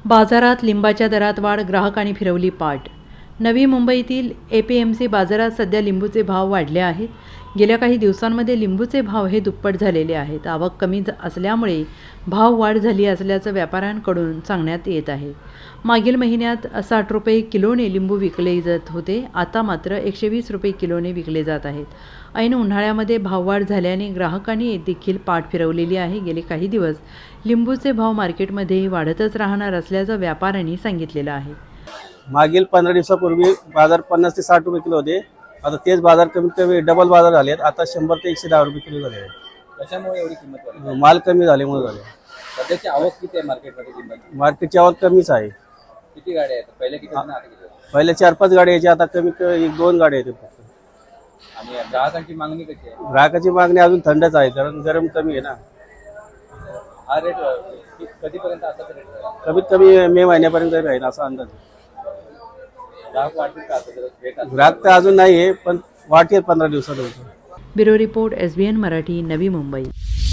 बाजारात लिंबाच्या दरात वाढ, ग्राहकांनी फिरवली पाठ। नवी मुंबईतील APMC बाजारात सध्या लिंबूचे भाव वाढले आहेत। गेल्या काही दिवसांमध्ये लिंबूचे भाव हे दुप्पट झालेले आहेत। आवक कमी असल्यामुळे भाव वाढ झाली असल्याचं व्यापाऱ्यांकडून सांगण्यात येत आहे। मागील महिन्यात 60 रुपये किलोने लिंबू विकले जात होते, आता मात्र 120 रुपये किलोने विकले जात आहेत। ऐन उन्हाळ्यामध्ये भाववाढ झाल्याने ग्राहकांनी देखील पाठ फिरवलेली आहे। गेले काही दिवस लिंबूचे भाव मार्केटमध्ये वाढतच राहणार असल्याचं व्यापाऱ्यांनी सांगितलेलं आहे। मागील 15 दिवसापूर्वी बाजार 50 ते 60 रुपये किलो होते। आता तेच बाजार कमीत कमी डबल बाजार झाले आहेत। आता 100 ते 110 रुपये किलो झाले आहेत। कशामुळे एवढी किंमत वाढली? माल कमी झाल्यामुळे झाले। सध्याची आवक किती आहे मार्केटमध्ये लिंबाची? मार्केटची आवक कमीच आहे। किती गाड्या आहेत? पहिले किती होत्या, आता किती आहेत? पहिले 4-5 गाड्या यायच्या, आता कमी 1-2 गाड्या आहेत फक्त। आणि ग्राहकांची मागणी कशी आहे? ग्राहकाची मागणी अजून थंडच आहे, कारण गरम कमी आहे ना। हा रेट कधीपर्यंत असाच रेट राहील? कमीत कमी मे महिन्यापर्यंत राहील असा अंदाज आहे। ग्राहक वाढतील का आता जर रेट असेल? ग्राहक तर अजून नाही आहे, पण वाढतील 15 दिवसानंतर। ब्युरो रिपोर्ट SBN मराठी, नवी मुंबई।